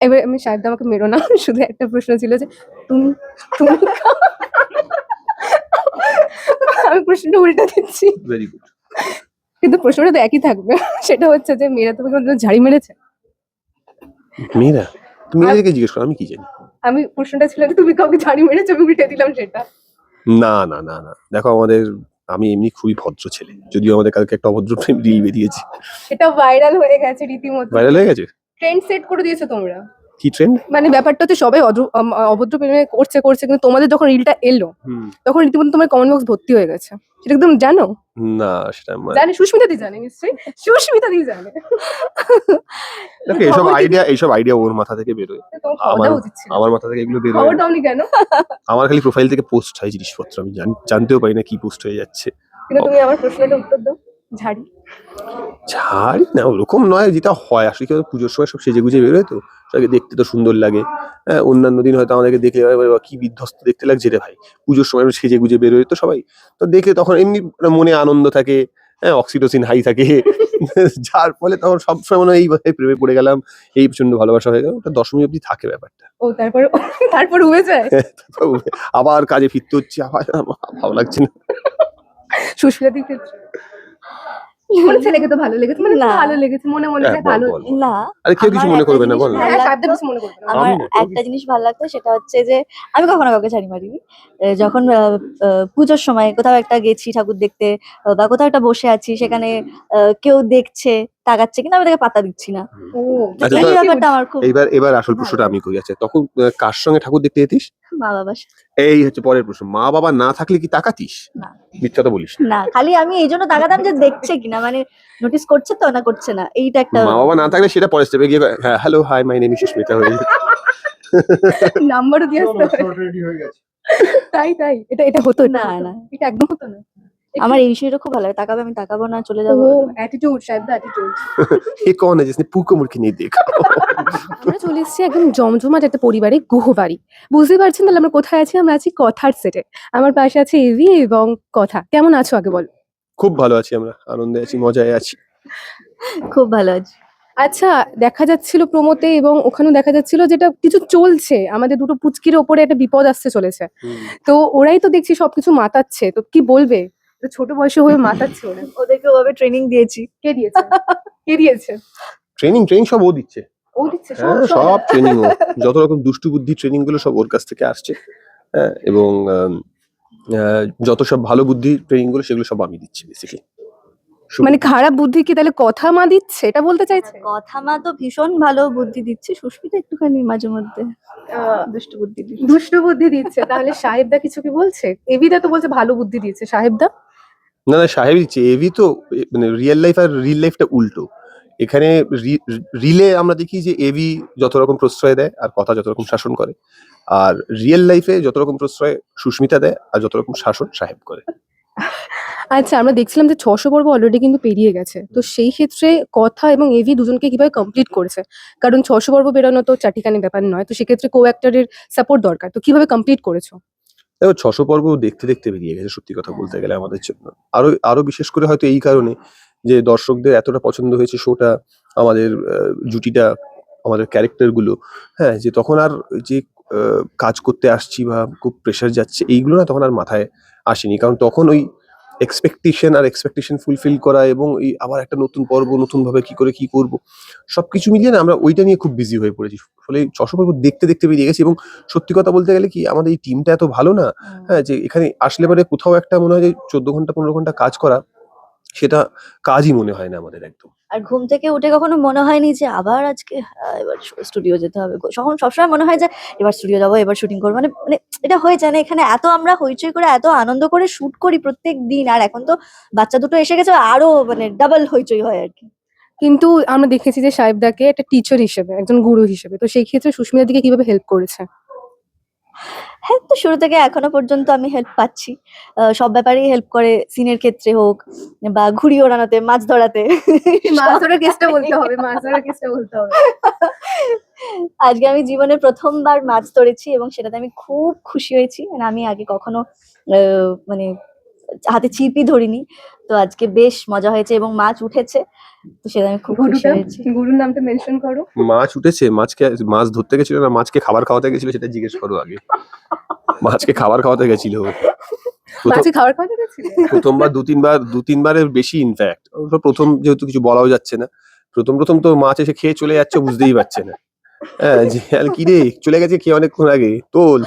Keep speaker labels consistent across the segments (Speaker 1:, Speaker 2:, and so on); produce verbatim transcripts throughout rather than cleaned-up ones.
Speaker 1: এবার আমি শায়দ আমাকে মেরো না, শুধু একটা প্রশ্ন ছিল যে তুমি তুমি আমি প্রশ্নটা উল্টা দিচ্ছি,
Speaker 2: ভেরি গুড।
Speaker 1: কিন্তু প্রশ্নটা তো একই থাকবে। সেটা হচ্ছে যে মেয়েরা তোমাকে কোনোদিন ঝাড়ি মেরেছে?
Speaker 2: মেয়েরা তুমি মেয়েদেরকে জিজ্ঞেস করো, আমি কি জানি।
Speaker 1: আমি প্রশ্নটা ছিল যে তুমি কাউকে ঝাড়ি মেরেছো, আমি উল্টে দিলাম সেটা।
Speaker 2: না না না না দেখো, আমাদের আমি এমনি খুবই ভদ্র ছেলে, যদিও আমাদের কালকে একটা অভদ্র প্রেম রিল বেরিয়েছে।
Speaker 1: সেটা ভাইরাল হয়ে গেছে রীতিমতো,
Speaker 2: ভাইরাল হয়ে গেছে।
Speaker 1: ট্রেন্ড সেট করে দিয়েছো তোমরা।
Speaker 2: কি ট্রেন্ড?
Speaker 1: মানে ব্যাপারটা হচ্ছে সবাই অদ্র- আম- অভদ্র প্রেমে করছে করছে কিন্তু তোমাদের যখন রিলটা এলো তখন রীতিমতো তোমার কমেন্ট বক্স ভর্তি হয়ে গেছে, সেটা একদম জানো?
Speaker 2: না সেটা আমার
Speaker 1: জানে, সুস্মিতা দি জানে নিশ্চয়ই, সুস্মিতা দি জানে।
Speaker 2: দেখো, এইসব আইডিয়া এইসব আইডিয়া ওর মাথা থেকে বেরোয়,
Speaker 1: তোমার খবর
Speaker 2: আমার
Speaker 1: দেওয়া উচিত ছিল।
Speaker 2: আমার মাথা থেকে এগুলো বেরোয়
Speaker 1: খবর
Speaker 2: না।
Speaker 1: দাওনি কেন?
Speaker 2: আমার খালি প্রোফাইল থেকে পোস্ট হয় জিনিসপত্র, আমি জান- জানতেও পারি না কি পোস্ট হয়ে যাচ্ছে।
Speaker 1: কিন্তু তুমি আমার প্রশ্নটা উত্তর দাও, ঝাড়ি।
Speaker 2: ছাড়ি না, ওরকম নয়, যেটা হয় আসলে কি বলতো, পুজোর সময় সব সেজে গুজে বেরোয় তো সবাইকে দেখতে তো সুন্দর লাগে। হ্যাঁ, অন্যান্য দিন হয়তো আমাদেরকে দেখে এবার বাবা কি বিধ্বস্ত দেখতে লাগছে রে ভাই, পুজোর সময় আমরা সেজে গুজে বেরোয় তো সবাই, তো দেখে তখন এমনি মনে আনন্দ থাকে, হ্যাঁ অক্সিটোসিন হাই থাকে। যার ফলে তখন সবসময় মনে হয় এই ভাই প্রেমে পড়ে গেলাম, এই প্রচন্ড ভালোবাসা হয়ে গেল, ওটা দশমী অবধি থাকে ব্যাপারটা।
Speaker 1: ও তারপর তারপর হয়ে যায়।
Speaker 2: তারপর আবার কাজে ফিরতে হচ্ছে, আবার আমার ভালো লাগছে না।
Speaker 1: সুস্মিতা দির ক্ষেত্রে কোন ছেলেকে তো ভালো লেগেছে, মানে
Speaker 3: না।
Speaker 1: ভালো লেগেছে মনে মনে
Speaker 2: হ্যাঁ,
Speaker 1: যে
Speaker 2: বল,
Speaker 1: ভালো।
Speaker 2: বল, বল।
Speaker 3: না,
Speaker 2: আরে কেউ কিছু
Speaker 3: আমার
Speaker 2: মনে
Speaker 3: একটা
Speaker 2: করবে না,
Speaker 3: জিনিস
Speaker 2: বল না।
Speaker 3: ভালো
Speaker 1: হ্যাঁ, সাবধানে
Speaker 3: লাগতো,
Speaker 1: কিছু মনে করবে না।
Speaker 3: আমার
Speaker 2: আমি না,
Speaker 3: একটা জিনিস ভালো লাগতো, সেটা হচ্ছে যে আমি কখনো কাউকে ছাড়ি মারিনি। এ, যখন আহ, আহ, পুজোর সময় কোথাও একটা গেছি ঠাকুর দেখতে, আহ, বা কোথাও একটা বসে আছি, সেখানে আহ, কেউ দেখছে, তাকাচ্ছে, কিন্তু আমি তাকে পাত্তা দিচ্ছি না।
Speaker 1: ও
Speaker 3: তো
Speaker 2: আচ্ছা,
Speaker 3: এই
Speaker 2: তো
Speaker 3: ব্যাপারটা আমার খুব
Speaker 2: এইবার এবার আসল
Speaker 3: ভালো
Speaker 2: প্রশ্নটা আমি
Speaker 3: লাগে।
Speaker 2: করি। আচ্ছা, তখন আহ, কার সঙ্গে ঠাকুর দেখতে যেতিস?
Speaker 3: মা বাবা।
Speaker 2: এই হচ্ছে পরের প্রশ্ন, মা বাবা না থাকলে কি তাকাতিস?
Speaker 3: না
Speaker 2: মিথ্যা তো বলিস না।
Speaker 3: না, খালি আমি এই জন্য তাকাতাম যে দেখছে কিনা, মানে নোটিস করছে তো না করছে না, এইটা একটা।
Speaker 2: মা বাবা না থাকলে সেটা পরের স্টেপে গিয়ে হ্যাঁ hello hi my name is Sushmita হয়ে যেত।
Speaker 1: নাম্বারও দিয়ে আসতে হবে। তাই তাই এটা এটা হতো, এটা
Speaker 3: না,
Speaker 1: হতো।
Speaker 3: না।
Speaker 1: এটা একদম হতো না।
Speaker 3: আমার এই বিষয়টা খুব ভালো লাগে, তাকাবে আমি তাকাবো না, চলে
Speaker 1: ও
Speaker 3: যাবো।
Speaker 1: অ্যাটিটিউড, শায়দ অ্যাটিটিউড।
Speaker 2: ये कौन है जिसने पू को मुड़ के नहीं देखा?
Speaker 1: আমরা চলে এসেছি একদম জমজমাট একটা পরিবারে, গুহবাড়ি। বুঝতে পারছেন তাহলে আমরা কোথায় আছি? আমরা আছি কথার সেটে। আমার পাশে আছে এভি এবং কথা। কেমন আছো আগে বলো?
Speaker 2: খুব ভালো আছি, আমরা আনন্দে আছি, মজায় আছি।
Speaker 3: খুব ভালো আছে।
Speaker 1: আচ্ছা, দেখা যাচ্ছিল প্রোমোতে এবং ওখানেও দেখা যাচ্ছিল যেটা কিছু চলছে, আমাদের দুটো পুচকির ওপরে একটা বিপদ আসতে চলেছে। তো ওরাই তো দেখছি সবকিছু মাতাচ্ছে, তো কি বলবে? তো ছোট বয়সে হয়ে মাতাচ্ছে ওরা।
Speaker 3: ওদেরকে ওভাবে ট্রেনিং দিয়েছি।
Speaker 1: কে দিয়েছে? কে দিয়েছে?
Speaker 2: ট্রেনিং ট্রেনিং সব ও দিচ্ছে।
Speaker 1: ও দিচ্ছে সব
Speaker 2: হ্যাঁ, সব ট্রেনিং ও, যত রকম দুষ্টু বুদ্ধি ট্রেনিং গুলো সব ওর কাছ থেকে আসছে। হ্যাঁ, এবং আম, আহ, যত সব ভালো বুদ্ধি ট্রেনিং গুলো সেগুলো সব আমি দিচ্ছি বেসিক্যালি।
Speaker 1: মানে খারাপ বুদ্ধি কি তাহলে কথা মা দিচ্ছে, এটা বলতে চাইছে?
Speaker 3: কথা মা তো ভীষণ ভালো বুদ্ধি দিচ্ছে, সুস্মিতা একটুখানি মাঝে মধ্যে
Speaker 1: আহ,
Speaker 3: দুষ্টু বুদ্ধি দিচ্ছে।
Speaker 1: দুষ্ট বুদ্ধি দিচ্ছে, তাহলে সাহেবদা কিছু কি বলছে? এবিদা তো বলছে ভালো বুদ্ধি দিচ্ছে, সাহেবদা?
Speaker 2: না না, সাহেব দিচ্ছে। এভি তো এ- মানে রিয়েল লাইফ আর রিল লাইফটা উল্টো। এখানে রিলে আমরা দেখি যে এভি যত রকম প্রশ্রয় দেয় আর কথা যত রকম শাসন করে, আর রিয়েল লাইফে যত রকম প্রশ্রয় সুস্মিতা দেয় আর যত রকম শাসন সাহেব করে।
Speaker 1: আচ্ছা, আমরা দেখছিলাম যে ছশো পর্ব অলরেডি কিন্তু পেরিয়ে গেছে, তো সেই ক্ষেত্রে কথা এবং এভি দুজনকে কিভাবে কমপ্লিট করেছে? কারণ ছশো পর্ব বেরোনো তো চাটিখানি ব্যাপার নয়, তো সেক্ষেত্রে কো অ্যাক্টরের সাপোর্ট দরকার, তো কিভাবে কমপ্লিট করেছো?
Speaker 2: দেখো, ছশো পর্ব দেখতে দেখতে বেরিয়ে গেছে সত্যি কথা বলতে গেলে আমাদের জন্য। আরো আরো বিশেষ করে হয়তো এই কারণে যে দর্শকদের এতটা পছন্দ হয়েছে শোটা, আমাদের আহ, জুটিটা, আমাদের ক্যারেক্টার গুলো। হ্যাঁ, যে তখন আর যে আহ, কাজ করতে আসছি বা খুব প্রেশার যাচ্ছে এইগুলো না তখন আর মাথায় আসেনি, কারণ তখন ওই এক্সপেকটেশন আর এক্সপেকটেশন ফুলফিল করা এবং এই আবার একটা নতুন পর্ব নতুন ভাবে কি করে কি করব সবকিছু মিলিয়ে না আমরা ওইটা নিয়ে খুব বিজি হয়ে পড়েছি। ফলে ছশো পর্ব দেখতে দেখতে বেরিয়ে গেছি। এবং সত্যি কথা বলতে গেলে কি আমাদের এই টিমটা এত ভালো না, হ্যাঁ, যে এখানে আসলে পরে কোথাও একটা মনে হয় যে চোদ্দ ঘন্টা পনেরো ঘন্টা কাজ করা সেটা কাজই মনে হয় না আমাদের একদম।
Speaker 3: আর ঘুম থেকে উঠে কখনো মনে হয়নি যে আবার আজকে আহ, এবার স্টুডিও যেতে হবে, তখন সবসময় মনে হয় যে এবার স্টুডিও যাবো, এবার শুটিং করবো, মানে মানে এটা হয়ে যায় না। এখানে এত আমরা হইচই করে এত আনন্দ করে শুট করি প্রত্যেক দিন, আর এখন তো বাচ্চা দুটো এসে গেছে, আরো মানে ডাবল হইচই হয় আর কি।
Speaker 1: কিন্তু আমরা দেখেছি যে সাহেবদাকে একটা টিচার হিসেবে, একজন গুরু হিসেবে, তো সেই ক্ষেত্রে সুস্মিতার দিকে কিভাবে হেল্প করেছে?
Speaker 3: হ্যাঁ, তো শুরু থেকে এখনো পর্যন্ত আমি হেল্প পাচ্ছি, আহ, সব ব্যাপারেই হেল্প করে, সিনের ক্ষেত্রে হোক বা ঘুড়ি ওড়ানোতে, মাছ ধরাতে।
Speaker 1: মাছ ধরার কেসটা বলতে হবে, মাছ ধরার কেসটা বলতে হবে।
Speaker 3: আজকে আমি জীবনে প্রথমবার মাছ ধরেছি এবং সেটাতে আমি খুব খুশি হয়েছি, মানে আমি আগে কখনো আহ, মানে হাতে ছিপই ধরিনি। তো আজকে বেশ মজা হয়েছে এবং মাছ উঠেছে, তো সেটা আমি খুব খুশি
Speaker 1: গুরুটা
Speaker 3: হয়েছি।
Speaker 1: গুরুর নামটা মেনশন করো।
Speaker 2: মাছ উঠেছে, মাছকে মাছ ধরতে গেছিল না মাছকে খাবার খাওয়াতে গেছিল সেটা জিজ্ঞেস করো আগে। মাছকে খাবার খাওয়াতে গেছিল ও। প্রথম
Speaker 1: মাছে খাবার খাওয়াতে গেছিলে?
Speaker 2: প্রথমবার দু তিনবার দু তিনবারের বেশি ইনফ্যাক্ট। প্রথম যেহেতু কিছু বলাও যাচ্ছে না, প্রথম প্রথম তো মাছ এসে খেয়ে চলে যাচ্ছে বুঝতেই পারছে না। হ্যাঁ, যে আর কি রে চলে গেছে খেয়ে অনেকক্ষণ আগে তোল।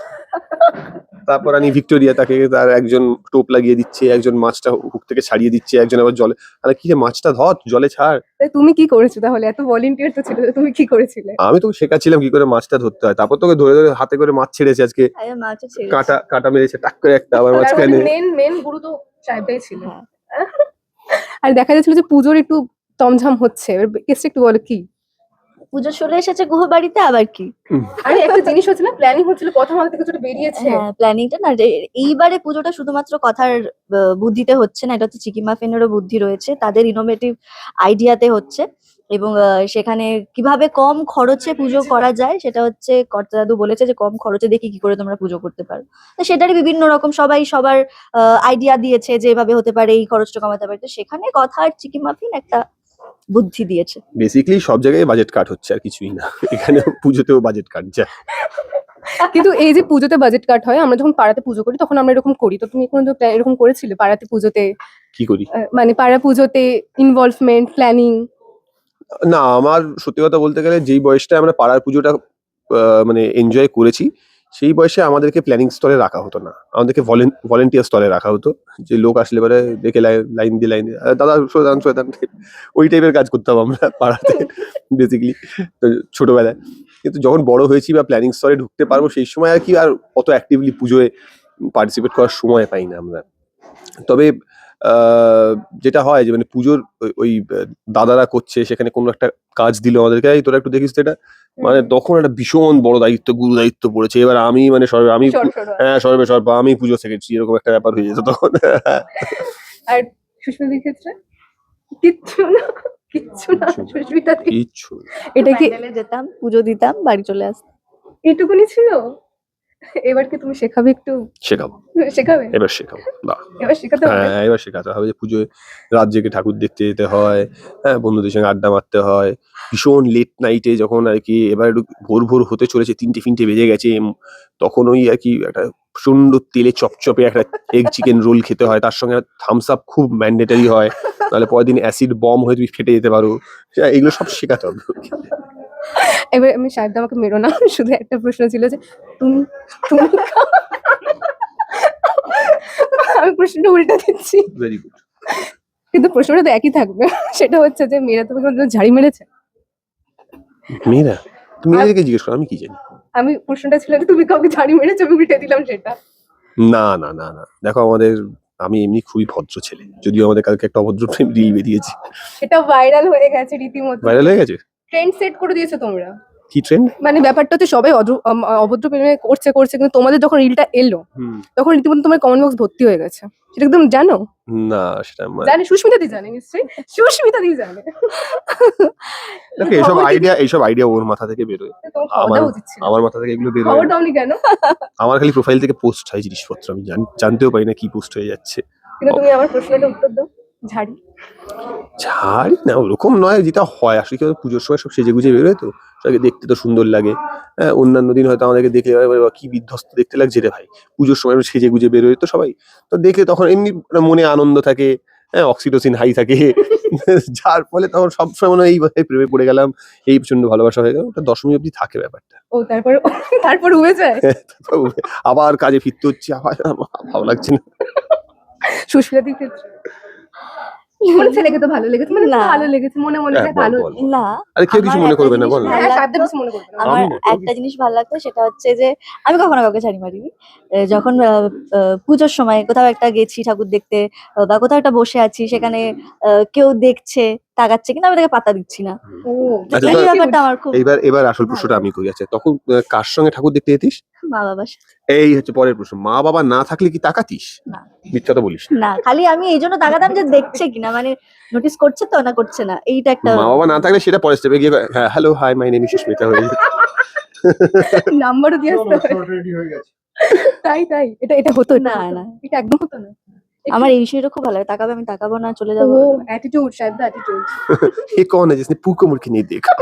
Speaker 2: তারপর আমি ভিক্টোরিয়া তাকে তার একজন টোপ লাগিয়ে দিচ্ছে, একজন মাছটা হুক থেকে ছাড়িয়ে দিচ্ছে, একজন আবার জলে, আরে কি রে মাছটা ধর জলে ছাড়।
Speaker 1: তাই তুমি কি করেছো তাহলে? এত ভলেন্টিয়ার তো ছিল, তুমি কি করেছিলে?
Speaker 2: আমি তোকে শেখাচ্ছিলাম কি করে মাছটা ধরতে হয়, তারপর তোকে ধরে ধরে হাতে করে মাছ ছেড়েছে আজকে,
Speaker 3: আরে মাছও ছেড়েছি।
Speaker 2: কাঁটা কাঁটা মেরেছে টাক করে একটা আবার মাঝখানে।
Speaker 1: মেন মেন গুরু তো সাহেবটাই ছিল।
Speaker 3: হ্যাঁ।
Speaker 1: আর দেখা যাচ্ছিল যে পুজোর একটু তমঝাম হচ্ছে, এবার কেসটা একটু বলো কি?
Speaker 3: পুজো চলে এসেছে গুহ বাড়িতে, আবার কি?
Speaker 1: আরে একটা জিনিস হচ্ছে না, প্ল্যানিং হচ্ছিল, কথা মাথা থেকে কিছুটা বেরিয়েছে।
Speaker 3: হ্যাঁ, প্ল্যানিংটা না যে- এইবারে পুজোটা শুধুমাত্র কথার আহ, বুদ্ধিতে হচ্ছে না, এটা হচ্ছে চিকি মাফিনেরও বুদ্ধি রয়েছে, তাদের ইনোভেটিভ আইডিয়াতে হচ্ছে। এবং আহ, সেখানে কিভাবে কম খরচে পুজো করা যায় সেটা হচ্ছে কর্তা দাদু বলেছে যে কম খরচে দেখি কি করে তোমরা পুজো করতে পারো। তো সেটারই বিভিন্ন রকম সবাই সবার আইডিয়া দিয়েছে যে এভাবে হতে পারে, এই খরচটা কমাতে পারে। তো সেখানে কথা আর চিকি মাফিন একটা বুদ্ধি দিয়েছে।
Speaker 2: বেসিক্যালি সব জায়গায় বাজেট কাট হচ্ছে আর কিছুই না, এখানে পুজোতেও বাজেট কাট যায়।
Speaker 1: কিন্তু এই যে পুজোতে বাজেট কাট হয়, আমরা যখন পাড়াতে পুজো করি তখন আমরা এরকম করি, তো তুমি কোনো এরকম করেছিলে পাড়াতে পুজোতে?
Speaker 2: কি করি
Speaker 1: আহ, মানে পাড়া পুজোতে ইনভলভমেন্ট প্ল্যানিং?
Speaker 2: না, আমার সত্যি কথা বলতে গেলে যেই বয়সটা আমরা পাড়ার পুজোটা আহ, মানে এনজয় করেছি, সেই বয়সে আমাদেরকে প্ল্যানিং স্তরে রাখা হতো না, আমাদেরকে ভলেন্টিয়ার স্তরে রাখা হতো। যে লোক আসলে পরে দেখে লাইন দিয়ে লাইন দাদা শোধান শোধান, ওই টাইপের কাজ করতাম আমরা পাড়াতে বেসিক্যালি ছোটবেলায়। কিন্তু যখন বড় হয়েছি বা প্ল্যানিং স্তরে ঢুকতে পারবো সেই সময় আর কি আর অত অ্যাক্টিভলি পুজোয় পার্টিসিপেট করার সময় পাই না আমরা। তবে আহ, যেটা হয় যে মানে পুজোর ওই- ওই আহ, দাদারা করছে, সেখানে কোনো একটা কাজ দিল আমাদেরকে, এই তোরা একটু দেখিস তো এটা, মানে তখন একটা ভীষণ বড় দায়িত্ব, গুরু দায়িত্ব পড়েছে, এবার আমি মানে সর্বে আমি পু-
Speaker 1: সর, সর, সর।
Speaker 2: হ্যাঁ সর্বে সর্ব আমি পুজো সেক্রেটারি, এরকম একটা ব্যাপার হয়ে যেত তখন।
Speaker 1: আর সুস্মিতার ক্ষেত্রে কিচ্ছু না, কিচ্ছু না।
Speaker 2: কিচ্ছু না।
Speaker 1: সুস্মিতা দি,
Speaker 2: কিচ্ছু না।
Speaker 1: এটা কি
Speaker 3: প্যান্ডেলে যেতাম, পুজো দিতাম, বাড়ি চলে আসতাম।
Speaker 1: এইটুকুনি ছিল? এবার কি তুমি শেখাবে একটু?
Speaker 2: শেখাবো,
Speaker 1: শেখাবে?
Speaker 2: এবার শেখাবো না।
Speaker 1: এবার শেখাতে হবে।
Speaker 2: হ্যাঁ এবার শেখাতে হবে যে পুজোয় রাত জেগে ঠাকুর দেখতে যেতে হয়, হ্যাঁ বন্ধুদের সঙ্গে আড্ডা মারতে হয়, ভীষণ লেট নাইটে যখন আর কি এবার একটু ভোর ভোর হতে চলেছে, তিনটে ফিনটে বেজে গেছে, উম, তখন ওই আর কি একটা প্রচন্ড তেলে চপচপে একটা এগ চিকেন রোল খেতে হয়, তার সঙ্গে থামস আপ খুব ম্যান্ডেটারি হয়, তাহলে পরের দিন অ্যাসিড বম হয়ে তুমি ফেটে যেতে পারো। হ্যাঁ, এগুলো সব শেখাতে হবে।
Speaker 1: এবার আমি সাহেব আমাকে মেরো না, শুধু একটা প্রশ্ন ছিল যে তুমি তুমি আমি প্রশ্নটা উল্টা দিচ্ছি,
Speaker 2: ভেরি গুড।
Speaker 1: কিন্তু প্রশ্নটা তো একই থাকবে। সেটা হচ্ছে যে মেয়েরা তোমাকে কোনোদিন ঝাড়ি মেরেছে?
Speaker 2: মেয়েরা, তুমি মেয়েদেরকে জিজ্ঞেস করো, আমি কি জানি।
Speaker 1: আমি প্রশ্নটা ছিল যে তুমি কাউকে ঝাড়ি মেরেছো, আমি উল্টে দিলাম সেটা।
Speaker 2: না না না না, দেখো আমাদের, আমি এমনি খুবই ভদ্র ছেলে, যদিও আমাদের কালকে একটা অভদ্র প্রেম রিল বেরিয়েছে।
Speaker 1: সেটা ভাইরাল হয়ে গেছে রীতিমতো,
Speaker 2: ভাইরাল হয়ে গেছে।
Speaker 1: ট্রেন্ড সেট করে দিয়েছো তোমরা।
Speaker 2: কি ট্রেন্ড?
Speaker 1: মানে ব্যাপারটা হচ্ছে সবাই অদ্র- আম- অভদ্র প্রেমে করছে করছে কিন্তু তোমাদের যখন রিলটা এলো তখন রীতিমতো তোমার কমেন্ট বক্স ভর্তি হয়ে গেছে, সেটা একদম জানো?
Speaker 2: না সেটা আমার-
Speaker 1: জানে, সুস্মিতা দি জানে নিশ্চয়ই, সুস্মিতা দি জানে।
Speaker 2: দেখো এইসব আইডিয়া এইসব আইডিয়া ওর মাথা থেকে বেরোয়,
Speaker 1: তোমার খবর
Speaker 2: আমার
Speaker 1: দেওয়া উচিত ছিল।
Speaker 2: আমার মাথা থেকে এগুলো বেরোয়
Speaker 1: খবর
Speaker 2: না।
Speaker 1: দাওনি কেন?
Speaker 2: আমার খালি প্রোফাইল থেকে পোস্ট হয় জিনিসপত্র, আমি জান- জানতেও পারি না কি পোস্ট হয়ে যাচ্ছে।
Speaker 1: কিন্তু তুমি আমার প্রশ্নটা উত্তর দাও, ঝাড়ি।
Speaker 2: ছাড়ি না, ওরকম নয়, যেটা হয় আসলে কি বলতো, পুজোর সময় সব সেজে গুজে বেরোয় তো সবাইকে দেখতে তো সুন্দর লাগে। হ্যাঁ, অন্যান্য দিন হয়তো আমাদেরকে দেখলে এবার বাবা কি বিধ্বস্ত দেখতে লাগছে রে ভাই, পুজোর সময় একটু সেজে গুজে বেরোয় তো সবাই, তো দেখে তখন এমনি একটা মনে আনন্দ থাকে, হ্যাঁ অক্সিটোসিন হাই থাকে, যার ফলে তখন সবসময় মনে হয় এই ভাই প্রেমে পড়ে গেলাম, এই প্রচন্ড ভালোবাসা হয়ে গেল, ওটা দশমী অবধি থাকে ব্যাপারটা।
Speaker 1: ও তারপর তারপর হয়ে যায়।
Speaker 2: আবার কাজে ফিরতে হচ্ছে, আবার ভালো লাগছে না।
Speaker 1: সুস্মিতা দির ক্ষেত্রে কোন ছেলেকে তো ভালো লেগেছে, মানে
Speaker 3: না।
Speaker 1: ভালো লেগেছে মনে মনে
Speaker 2: হ্যাঁ,
Speaker 1: যে
Speaker 2: বল,
Speaker 1: ভালো।
Speaker 2: বল, বল।
Speaker 3: না,
Speaker 2: আরে কেউ কিছু
Speaker 3: আমার
Speaker 2: মনে
Speaker 3: একটা
Speaker 2: করবে না,
Speaker 3: জিনিস
Speaker 2: বল না।
Speaker 3: ভালো
Speaker 1: হ্যাঁ, সাহেব
Speaker 3: লাগতো,
Speaker 1: কিছু মনে করবে না।
Speaker 3: আমার
Speaker 2: আমি না,
Speaker 3: একটা জিনিস ভালো লাগতো, সেটা হচ্ছে যে আমি কখনো কাউকে ছাড়ি মারিনি। এ, যখন আহ, আহ, পুজোর সময় কোথাও একটা গেছি ঠাকুর দেখতে, আহ, বা কোথাও একটা বসে আছি, সেখানে আহ, কেউ দেখছে, তাকাচ্ছে, কিন্তু আমি তাকে পাত্তা দিচ্ছি না।
Speaker 1: ও
Speaker 2: আচ্ছা,
Speaker 3: এই
Speaker 2: তো
Speaker 3: ব্যাপারটা আমার খুব
Speaker 2: এইবার এবার আসল
Speaker 3: ভালো
Speaker 2: প্রশ্নটা আমি
Speaker 3: লাগে।
Speaker 2: করি, আচ্ছা তখন আহ, কার সঙ্গে ঠাকুর দেখতে যেতিস?
Speaker 3: মা বাবা।
Speaker 2: এই হচ্ছে পরের প্রশ্ন, মা বাবা না থাকলে কি তাকাতিস?
Speaker 3: না
Speaker 2: মিথ্যা তো বলিস না।
Speaker 3: না, খালি আমি এই জন্য তাকাতাম যে দেখছে কিনা, মানে নোটিস করছে তো না করছে না, এইটা একটা।
Speaker 2: মা বাবা না থাকলে সেটা পরের স্টেপে গিয়ে হ্যাঁ hello hi my name Sushmita হয়ে যেত।
Speaker 1: নাম্বারও দিয়ে আসতে হয়। তাই তাই এটা এটা হতো না,
Speaker 3: না, না।
Speaker 1: এটা একদম হতো না।
Speaker 3: আমার এই বিষয়টা খুব ভালো লাগে, তাকাবে আমি তাকাবো না, চলে
Speaker 1: ও
Speaker 3: যাবো।
Speaker 1: অ্যাটিটিউড, শায়দ অ্যাটিটিউড।
Speaker 2: ये कौन है जिसने पू को मुड़ के नहीं देखा?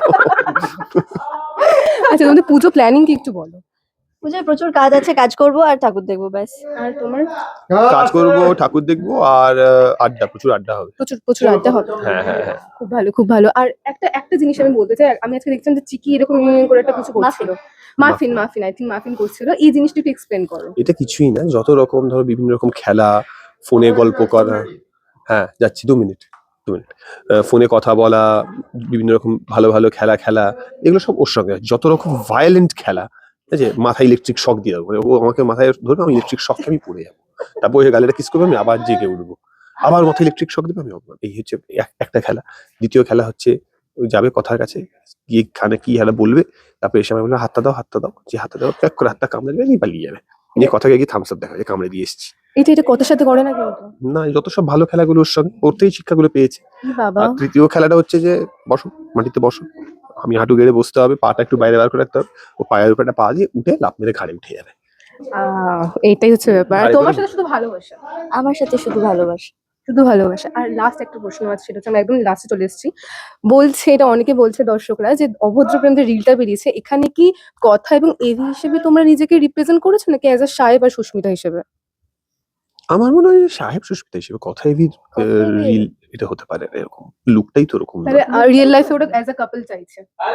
Speaker 1: আচ্ছা, তোমাদের পুজো প্ল্যানিং কি একটু বলো।
Speaker 3: পুজোয় প্রচুর কাজ আছে, কাজ করবো আর ঠাকুর দেখবো ব্যাস।
Speaker 1: আর তোমার?
Speaker 2: কাজ করবো, ঠাকুর দেখবো, আর আহ, আড্ডা, প্রচুর আড্ডা হবে।
Speaker 1: প্রচুর প্রচুর আড্ডা হবে।
Speaker 2: হ্যাঁ হ্যাঁ হ্যাঁ।
Speaker 1: খুব ভালো, খুব ভালো। আর একটা একটা জিনিস আমি বলতে চাই, আমি আজকে দেখছিলাম যে চিকি এরকম ইউনিয়ন করে একটা কিছু করছিল। Muffin muffin I think muffin করছিল। এই জিনিসটা একটু এক্সপ্লেন করো।
Speaker 2: এটা কিছুই না, যত রকম ধরো বিভিন্ন রকম খেলা, ফোনে গল্প করা, হ্যাঁ যাচ্ছি দু মিনিট দু মিনিট আহ, ফোনে কথা বলা, বিভিন্ন রকম ভালো ভালো খেলা খেলা, এগুলো সব ওর সঙ্গে আছে। যত রকম ভায়োলেন্ট খেলা, ঠিক আছে, মাথায় ইলেকট্রিক শক দিয়ে দেবো, ও আমাকে মাথায় ধরবে, আমি ইলেকট্রিক শককে আমি পড়ে যাবো, তারপর ওই গালিটা কিস করবে, আমি আবার জেগে উঠবো, আবার মাথায় ইলেকট্রিক শক দেবে, আমি অজ্ঞান। এই হচ্ছে এক- একটা খেলা। দ্বিতীয় খেলা হচ্ছে ওই যাবে কথার কাছে, গিয়ে খানে কি খেলা বলবে, তারপর এসে আমি বলবো হাতটা দাও হাতটা দাও, যে হাতটা দাও প্যাক করে হাতটা কামড়ে দেবে, নিয়ে পালিয়ে যাবে, নিয়ে কথাকে গিয়ে থামস আপ দেখা যায় কামড়ে দিয়ে এসেছি।
Speaker 1: এটা এটা কথার সাথে করে না কিন্তু।
Speaker 2: না, যত সব ভালো খেলাগুলো ওর সঙ্গে ওরতেই শিক্ষাগুলো পেয়েছে।
Speaker 1: ই বাবা।
Speaker 2: আর তৃতীয় খেলাটা হচ্ছে যে বসো, মাটিতে বসো, আমি হাঁটু গেড়ে বসতে হবে, পাটা একটু বাইরে বার করে রাখতে হবে, ও পায়ের উপরে একটা পা দিয়ে উঠে লাফ মেরে ঘাড়ে উঠে যাবে।
Speaker 1: আহ, এইটাই হচ্ছে ব্যাপার। আর
Speaker 2: আরে
Speaker 1: তোমার
Speaker 2: বলো।
Speaker 1: সাথে শুধু ভালোবাসা,
Speaker 3: আমার সাথে শুধু ভালোবাসা।
Speaker 1: শুধু ভালোবাসা। আর লাস্ট একটা প্রশ্ন আছে, সেটা হচ্ছে আমি একদম লাস্টে চলে এসেছি। বলছে, এটা অনেকে বলছে দর্শকরা, যে অভদ্র প্রেম যে রিলটা বেরিয়েছে, এখানে কি কথা এবং এভি হিসেবে তোমরা নিজেকে রিপ্রেজেন্ট করেছো নাকি অ্যাজ আ সাহেব আর সুস্মিতা হিসেবে?
Speaker 2: আমার মনে হয় যে সাহেব সুস্মিতা হিসেবে কথা হেভি
Speaker 1: কথা
Speaker 2: রিল এটা হতে পারে না, এরকম লুকটাই তো এরকম না।
Speaker 1: তাহলে রিয়েল লাইফে ওটা অ্যাজ আ কাপল চাইছে।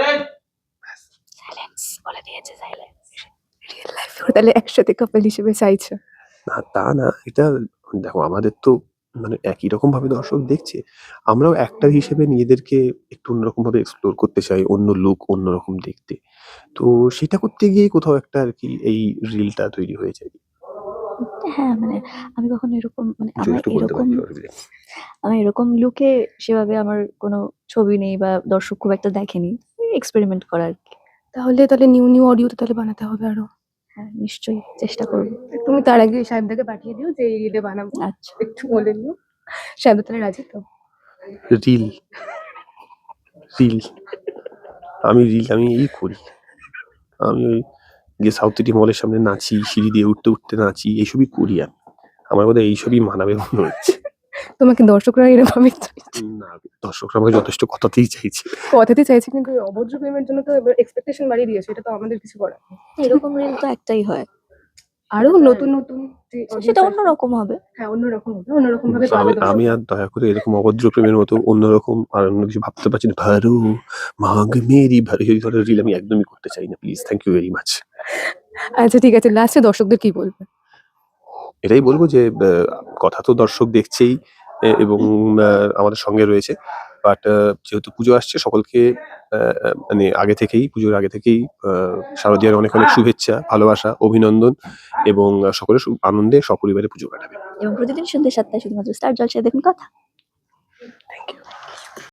Speaker 3: সাইলেন্স বলে দিয়েছে, সাইলেন্স।
Speaker 1: রিয়েল লাইফে তাহলে একসাথে কাপল হিসেবে চাইছে।
Speaker 2: না তা না, এটা দেখো আমাদের তো মানে একই রকম ভাবে দর্শক দেখছে, আমরাও অ্যাক্টর হিসেবে নিজেদেরকে একটু অন্যরকম ভাবে এক্সপ্লোর করতে চাই, অন্য লুক অন্যরকম দেখতে, তো সেটা করতে গিয়ে কোথাও একটা আর কি এই রিলটা তৈরি হয়ে যায়।
Speaker 3: হ্যাঁ মানে আমি কখনো এরকম মানে
Speaker 2: যদি
Speaker 3: আমার
Speaker 2: একটু বলতে
Speaker 3: এরকম
Speaker 2: পারি
Speaker 3: আমি এরকম লুকে সেভাবে আমার কোনো ছবি নেই বা দর্শক খুব একটা দেখেনি, এক্সপেরিমেন্ট করা আর কি।
Speaker 1: তাহলে তাহলে নিউ নিউ অডিও তো তাহলে বানাতে হবে আরো।
Speaker 3: হ্যাঁ নিশ্চয়ই চেষ্টা করবো।
Speaker 1: তুমি তার আগে সাহেবদাকে পাঠিয়ে দিও যে এই রিলে বানাবো,
Speaker 3: আচ্ছা
Speaker 1: একটু বলে দিও। সাহেব তাহলে রাজি তো?
Speaker 2: রিল রিল আমি রিল আমি এই করি, আমি ওই গিয়ে সাউথ সিটি মলের সামনে নাচি, সিঁড়ি দিয়ে উঠতে উঠতে নাচি, এইসবই করি আমি। আমার বোধহয় এইসবই মানাবে মনে হচ্ছে।
Speaker 1: তোমাকে দর্শকরা এরকমই চাইছে।
Speaker 2: না, দর্শকরা আমাকে যথেষ্ট কথাতেই চাইছে।
Speaker 1: কথাতে চাইছে, কিন্তু ওই অভদ্র প্রেমের জন্য তো এক্সপেকটেশন বাড়িয়ে দিয়েছে, এটা তো আমাদের কিছু করার নেই।
Speaker 3: এরকম রিল তো একটাই হয়,
Speaker 1: আরো নতুন নতুন যে audience
Speaker 3: সেটা
Speaker 1: আসবে,
Speaker 3: অন্যরকম হবে।
Speaker 1: হ্যাঁ অন্যরকম হবে, অন্যরকম ভাবে
Speaker 2: আমি
Speaker 1: পাবে
Speaker 2: আমি
Speaker 1: দর্শকরা।
Speaker 2: আর দয়া করে এরকম অভদ্র প্রেমের মতো অন্যরকম আর অন্য কিছু ভাবতে পারছি না। ভারু মাগ মেরি ভারু, এই ধরনের রিল আমি একদমই করতে চাই না, please, thank you very much.
Speaker 1: আচ্ছা ঠিক আছে, লাস্টে দর্শকদের কি বলবে?
Speaker 2: এটাই বলবো যে আহ, কথা তো দর্শক দেখছেই, এ- এবং আহ, আমাদের সঙ্গে রয়েছে, বাট যেহেতু পুজো আসছে, সকলকে আহ, মানে আগে থেকেই পুজোর আগে থেকেই আহ, শারদীয়ার অনেক অনেক শুভেচ্ছা, ভালোবাসা, অভিনন্দন, এবং আহ, সকলে সু- আনন্দে সপরিবারে পুজো কাটাবে।
Speaker 3: এবং প্রতিদিন সন্ধ্যে সাতটায় শুধুমাত্র স্টার জলসায় দেখুন কথা।
Speaker 1: Thank you.